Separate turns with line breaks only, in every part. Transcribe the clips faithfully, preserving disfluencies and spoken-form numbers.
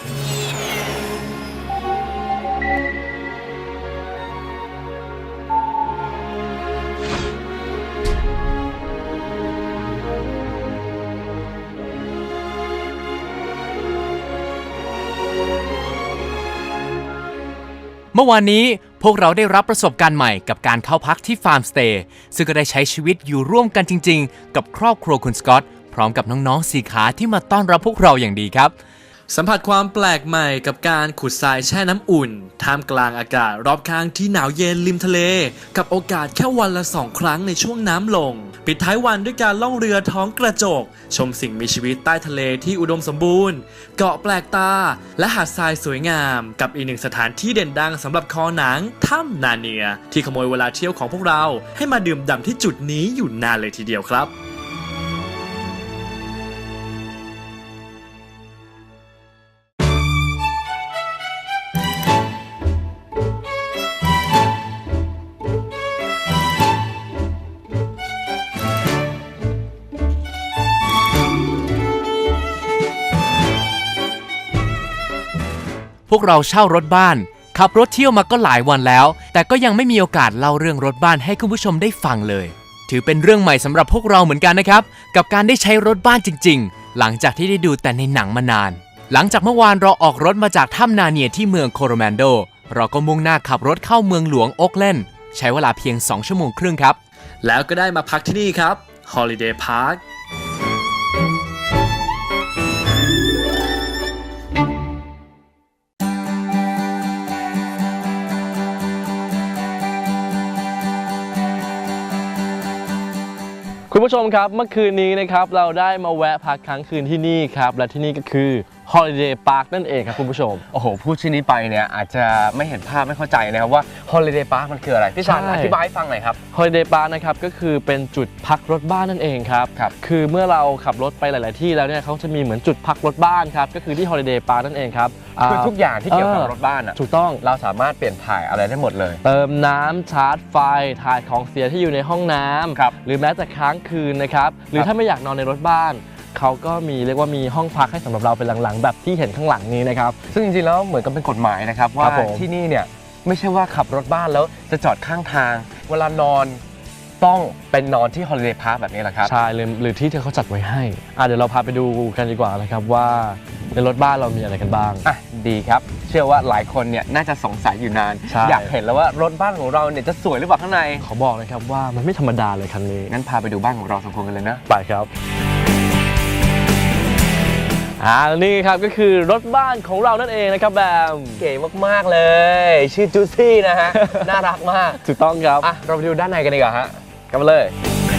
เมื่อวานนี้พวกเราได้รับประสบการณ์ใหม่กับการเข้าพักที่ฟาร์มสเตย์ซึ่งก็ได้ใช้ชีวิตอยู่ร่วมกันจริงๆกับครอบครัวคุณสกอตพร้อมกับน้องๆสี่ขาที่มาต้อนรับพวกเราอย่างดีครับ
สัมผัสความแปลกใหม่กับการขุดทรายแช่น้ำอุ่นท่ามกลางอากาศรอบข้างที่หนาวเย็นริมทะเลกับโอกาสแค่วันละสองครั้งในช่วงน้ำลงปิดท้ายวันด้วยการล่องเรือท้องกระจกชมสิ่งมีชีวิตใต้ทะเลที่อุดมสมบูรณ์เกาะแปลกตาและหาดทรายสวยงามกับอีกหนึ่งสถานที่เด่นดังสำหรับคอหนังถ้ำนาเนียที่ขโมยเวลาเที่ยวของพวกเราให้มาดื่มด่ำที่จุดนี้อยู่นานเลยทีเดียวครับ
พวกเราเช่ารถบ้านขับรถเที่ยวมาก็หลายวันแล้วแต่ก็ยังไม่มีโอกาสเล่าเรื่องรถบ้านให้คุณผู้ชมได้ฟังเลยถือเป็นเรื่องใหม่สำหรับพวกเราเหมือนกันนะครับกับการได้ใช้รถบ้านจริงๆหลังจากที่ได้ดูแต่ในหนังมานานหลังจากเมื่อวานเราออกรถมาจากถ้ำนาเนียที่เมืองโคโรแมนโดเราก็มุ่งหน้าขับรถเข้าเมืองหลวงโอ๊คแลนด์ใช้เวลาเพียงสองชั่วโมงครึ่งครับ
แล้วก็ได้มาพักที่นี่ครับ Holiday Park
คุณผู้ชมครับเมื่อคืนนี้นะครับเราได้มาแวะพักค้างคืนที่นี่ครับและที่นี่ก็คือ Holiday Park นั่นเองครับคุณผู้ชม
โอ้โหพูดชื่อนี้ไปเนี่ยอาจจะไม่เห็นภาพไม่เข้าใจนะครับว่า Holiday Park มันคืออะไรพี่ชาญอธิบายให้ฟังหน่อยครับ
Holiday Park นะครับก็คือเป็นจุดพักรถบ้านนั่นเองครับครับคือเมื่อเราขับรถไปหลาย ๆที่แล้วเนี่ยเขาจะมีเหมือนจุดพักรถบ้านครับก็คือที่ Holiday Park นั่นเองครับ
คือทุกอย่างที่เกี่ยวกับรถบ้านอ่ะ
ถูกต้อง
เราสามารถเปลี่ยนถ่ายอะไรได้หมดเลย
เติมน้ำชาร์จไฟถ่ายของเสียที่อยู่ในห้องน้ำหรือแม้แต่ค้างคืนนะครับหรือถ้าไม่อยากนอนในรถบ้านเขาก็มีเรียกว่ามีห้องพักให้สำหรับเราเป็นหลังๆแบบที่เห็นข้างหลังนี้นะครับ
ซึ่งจริงๆแล้วเหมือนกับเป็นกฎหมายนะครับว่าที่นี่เนี่ยไม่ใช่ว่าขับรถบ้านแล้วจะจอดข้างทางเวลานอนต้องเป็นนอนที่ Holiday Park แบบนี้แหละครับ
ใช่หรือที่เธอเขาจัดไว้ให้อ่ะเดี๋ยวเราพาไปดูกันดีกว่านะครับว่าในรถบ้านเรามีอะไรกันบ้าง
อ่ะดีครับเชื่อว่าหลายคนเนี่ยน่าจะสงสัยอยู่นานอยากเห็นแล้วว่ารถบ้านของเราเนี่ยจะสวยหรือเปล่าข้างใน
ขอบอกนะครับว่ามันไม่ธรรมดาเลยคันนี้
งั้นพาไปดูบ้านของเราสองคนกันเลยนะ
ไปครับอ่านี่ครับก็คือรถบ้านของเรานั่นเองนะครับแบบ
เก๋มากๆเลยชื่อจูซี่นะฮะ น่ารักมาก
ถูกต้องครับ
อ่ะเราไปดูด้านในกันดีกว่าฮะกันมาเลย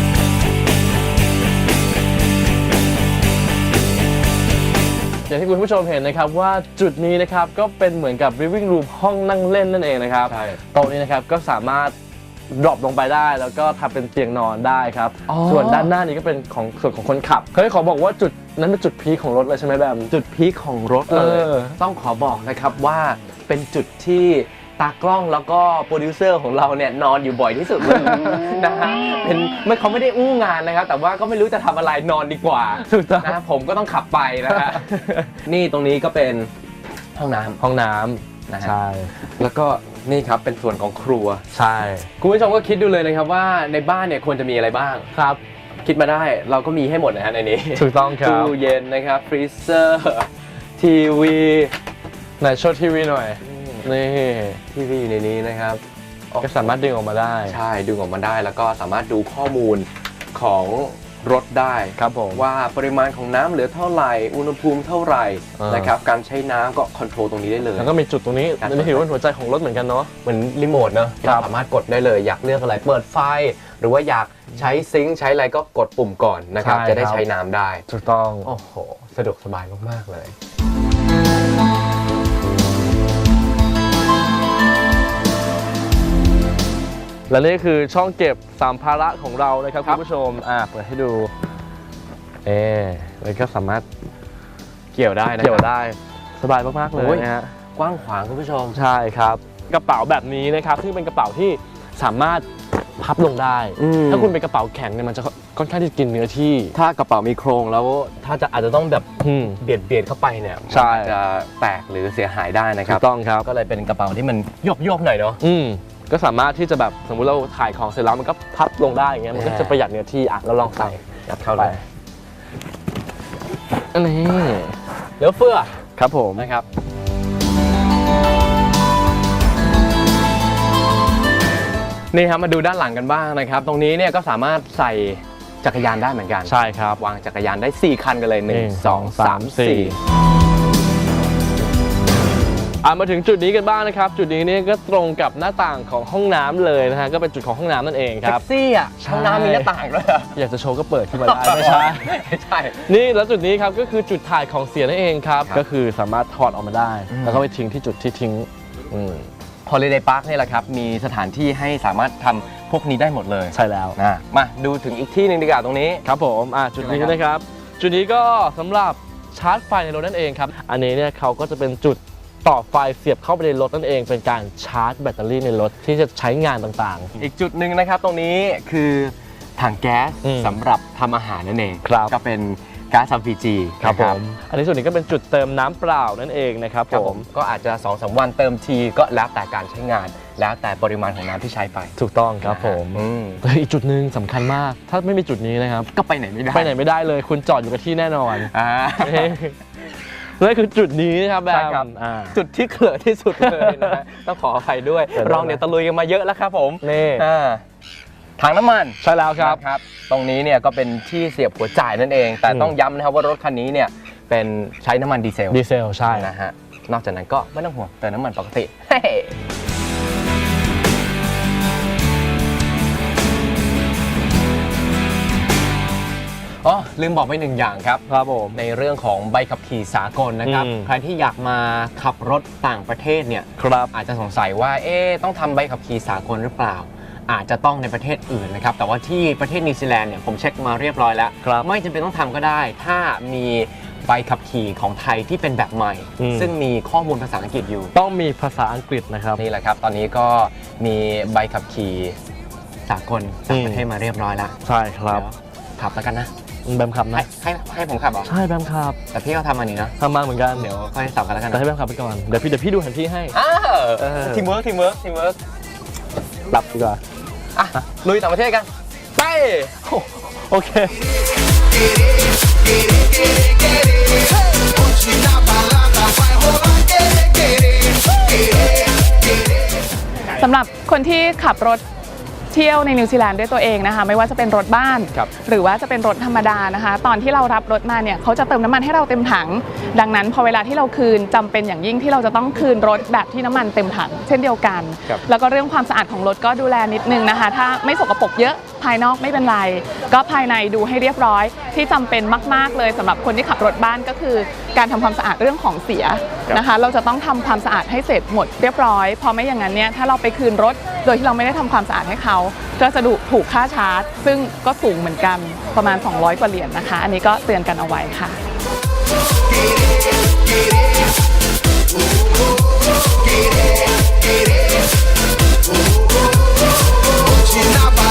อย่างที่คุณผู้ชมเห็นนะครับว่าจุดนี้นะครับก็เป็นเหมือนกับ living room ห้องนั่งเล่นนั่นเองนะครับโต๊ะนี้นะครับก็สามารถดรอปลงไปได้แล้วก็ทำเป็นเตียงนอนได้ครับส่วนด้านหน้านี้ก็เป็นของส่วนของคนขับเคยขอบอกว่าจุดนั้นเป็นจุดพีคของรถเลยใช่ไหมแบม
จุดพีคของรถเลยต้องขอบอกนะครับว่าเป็นจุดที่ตากล้องแล้วก็โปรดิวเซอร์ของเราเนี่ยนอนอยู่บ่อยที่สุดเลยนะฮะเป็นไม่เขาไม่ได้อู้งานนะครับแต่ว่าก็ไม่รู้จะทำอะไรนอนดีกว่านะผมก็ต้องขับไปนะฮะนี่ตรงนี้ก็เป็นห้องน้ำ
ห้องน้ำ
นะฮะใช่แล้วก็นี่ครับเป็นส่วนของครัว
ใช่
คุณผู้ชมก็คิดดูเลยนะครับว่าในบ้านเนี่ยควรจะมีอะไรบ้าง
ครับ
คิดมาได้เราก็มีให้หมดนะฮะในนี้
ถูกต้องครับ
ตู้เย็นนะครับฟรีเซอร์ทีวี
ไหนโชว์ทีวีหน่อยนี่
ทีวีอยู่ในนี้นะครับ
ก็สามารถดึงออกมาได้
ใช่ดึงออกมาได้แล้วก็สามารถดูข้อมูลของรถได้
ครับผม
ว่าปริมาณของน้ำเหลือเท่าไหร่อุณหภูมิเท่าไหร่นะครับการใช้น้ำก็คอนโทรลตรงนี้ได้เลย
แล้วก็มีจุดตรงนี้นี่ถือว่าหัวใจของรถเหมือนกันเนาะ
เหมือนรีโมทเนาะเราสามารถกดได้เลยอยากเลือกอะไรเปิดไฟหรือว่าอยากใช้ซิงค์ใช้อะไรก็กดปุ่มก่อนนะครับจะได้ใช้น้ำได้
ถูกต้อง
โอ้โหสะดวกสบายมากๆเลย
และนี่คือช่องเก็บสัมภาระของเรานะครับคุณผู้ชมอ่ะเปิดให้ดูเอ๊แล้วก็สามารถ
เกี่ยวได้นะ
เกี่ยวได้สบายมากๆเลยนะฮะ
กว้างขวางคุณผู้ชม
ใช่ครับกระเป๋าแบบนี้นะครับซึ่งเป็นกระเป๋าที่สามารถพับลงได้
อืม
ถ้าคุณเป็นกระเป๋าแข็งเนี่ยมันจะค่อนข้างที่จะกินเนื้อที่
ถ้ากระเป๋ามีโครงแล้วถ้าจะอาจจะต้องแบบ
อืม
เบียดเบียดเข้าไปเนี่ย
ใช่
มันอาจจะแตกหรือเสียหายได้นะค
ถู
รับ
กต้องครับ
ก็เลยเป็นกระเป๋าที่มันโยบโยบๆหน่อยเนาะ
อืมก็สามารถที่จะแบบสมมุติเราถ่ายของเสร็จแล้วมันก็พับลงได้อย่างเงี้ยมันก็
อ่า
จะประหยัดเนื้อที่อ่ะเราลองใส่
ยัดเข้าเลย
อันนี้
เหลือเฟือ
ครับผม
นะครับ นี่ครับมาดูด้านหลังกันบ้างนะครับ ตรงนี้เนี่ยก็สามารถใส่จักรยานได้เหมือนกัน
ใช่ครับ
วางจักรยานได้สี่คันกันเลยหนึ่ง
หนึ่ง
สองสามสี่
อ่ะมาถึงจุดนี้กันบ้างนะครับ จุดนี้เนี่ยก็ตรงกับหน้าต่างของห้องน้ำเลยนะฮะก็เป็นจุดของห้องน้ำนั่นเองค
แท็
รับ
กซี่อ่ะ
ใช่
ห้องน้ำมีหน้าต่างด้วยเหรอ
อยากจะโชว์ก็เปิดขึ้นมาได้ไม่ใช่
ไม่ใช่
นี่แล้วจุดนี้ครับก็คือจุดถ่ายของเสียนั่นเองครับ
ครับ
ก็คือสามารถถอดออกมาได้
อืม
แล้วก็ไปทิ้งที่จุดที่ทิ้งอืม
Holiday Park นี่แหละครับ มีสถานที่ให้สามารถทำพวกนี้ได้หมดเลย
ใช่แล้ว
นะมาดูถึงอีกที่หนึ่งดีกว่าตรงนี้
ครับผมอ่ะจุดนี้
ใช่ไหมครับ
นะครับ จุดนี้ก็สำหรับชาร์จไฟในรถนั่นเองครับ อันนี้เนี่ยเขาก็จะเป็นจุดต่อไฟเสียบเข้าไปในรถนั่นเอง เป็นการชาร์จแบตเตอรี่ในรถที่จะใช้งานต่าง
อีกจุดหนึ่งนะครับตรงนี้คือถังแก๊ส
อืม
สำหรับทำอาหารนั่นเอง
ครับ
ก็เป็นก๊าซ แอล พี จี
ๆ ครับผม อันนี้ส่วนนี้ก็เป็นจุดเติมน้ำเปล่านั่นเองนะครับ
ครับ
ผ
ผม มก็อาจจะ สองสาม วันเติมทีก็แล้วแต่การใช้งาน แล้วแต่ปริมาณของน้ำที่ใช้ไป
ถูกต้องครับผม
อืม
แต่อีกจุดหนึ่งสำคัญมาก ถ้าไม่มีจุดนี้นะครับ
ก็ไปไหนไม่ได้
ไปไหนไม่ได้เลย คุณจอดอยู่กับที่แน่นอน
อ่า
นั่นคือจุดนี้นะครับแบ
ใช่
ม
ครับ
อ่า
จุดที่เขลอะที่สุดเลยนะฮะ ต้องขออภัยด้วย
เดี๋ยวนะ
เราเนี่ยตะลุยกันมาเยอะแล้วครับผม
นี่
อ่าถังน้ำมัน
ใช่แล้วครับ
นะครับ ตรงนี้เนี่ยก็เป็นที่เสียบหัวจ่ายนั่นเอง แต่
อืม
ต้องย้ำนะครับว่ารถคันนี้เนี่ยเป็นใช้น้ำมันดีเซล
ดีเซลใช่
นะฮะ นอกจากนั้นก็ไม่ต้องห่วงเติมน้ำมันปกติเฮ้อ๋อลืมบอกไปหนึ่งอย่างครับ
ครับผม
ในเรื่องของใบขับขี่สากลนะครับ
อืม
ใครที่อยากมาขับรถต่างประเทศเนี่ย
ครับ
อาจจะสงสัยว่าเอ๊ะต้องทำใบขับขี่สากลหรือเปล่า อาจจะต้องในประเทศอื่นนะครับแต่ว่าที่ประเทศนิวซีแลนด์เนี่ยผมเช็คมาเรียบร้อยแล้ว
ครับ
ไม่จำเป็นต้องทำก็ได้ ถ้ามีใบขับขี่ของไทยที่เป็นแบบใหม่
อืม
ซึ่งมีข้อมูลภาษาอังกฤษอยู่
ต้องมีภาษาอังกฤษนะครับ
นี่แหละครับ ตอนนี้ก็มีใบขับขี่สากลต่างประเทศมาเรียบร้อยแล้ว
ใช่ครับ
เดี๋ยวขับแล้วกันนะ
แบมขับ
ให้
นะ
ให้ให้ผมขับเหรอ
ใช่แบมขับ
แต่พี่เขาทำอันนี้นะ
ทำมาเหมือนกัน
เดี๋ยวค่อยสับกันแล้วกัน
แต่
นะ
ให้แบมขับไปก่อน เดี๋ยวพี่เดี๋ยวพี่ดูแผนที่ให้
อ้าว
เออ
ทีมเวิร์กทีมเวิร์กทีมเวิร์ก
หลับดีกว่า
อ่ะลุยต่างประเทศกัน ไป
โอเค
สำหรับคนที่ขับรถเที่ยวในนิวซีแลนด์ด้วยตัวเองนะคะไม่ว่าจะเป็นรถบ้าน
ครับ
หรือว่าจะเป็นรถธรรมดานะคะ ตอนที่เรารับรถมาเนี่ยเขาจะเติมน้ำมันให้เราเต็มถัง ดังนั้นพอเวลาที่เราคืนจำเป็นอย่างยิ่งที่เราจะต้องคืนรถแบบที่น้ำมันเต็มถัง เช่นเดียวกัน
ครับ
แล้วก็เรื่องความสะอาดของรถก็ดูแลนิดนึงนะคะ ถ้าไม่สกปรกเยอะภายนอกไม่เป็นไร ก็ภายในดูให้เรียบร้อย ที่จำเป็นมากๆเลยสำหรับคนที่ขับรถบ้านก็คือ การทำความสะอาดเรื่องของเสียนะคะ เราจะต้องทำความสะอาดให้เสร็จหมดเรียบร้อยเพอไม่อย่างนั้นเนี่ยถ้าเราไปคืนรถ โดยที่เราไม่ได้ทำความสะอาดให้เขาก็จะถูกค่าชาร์จ ซึ่งก็สูงเหมือนกันประมาณ สองร้อย กว่าเหรียญนะคะ อันนี้ก็เตือนกันเอาไว้ค่ะ
China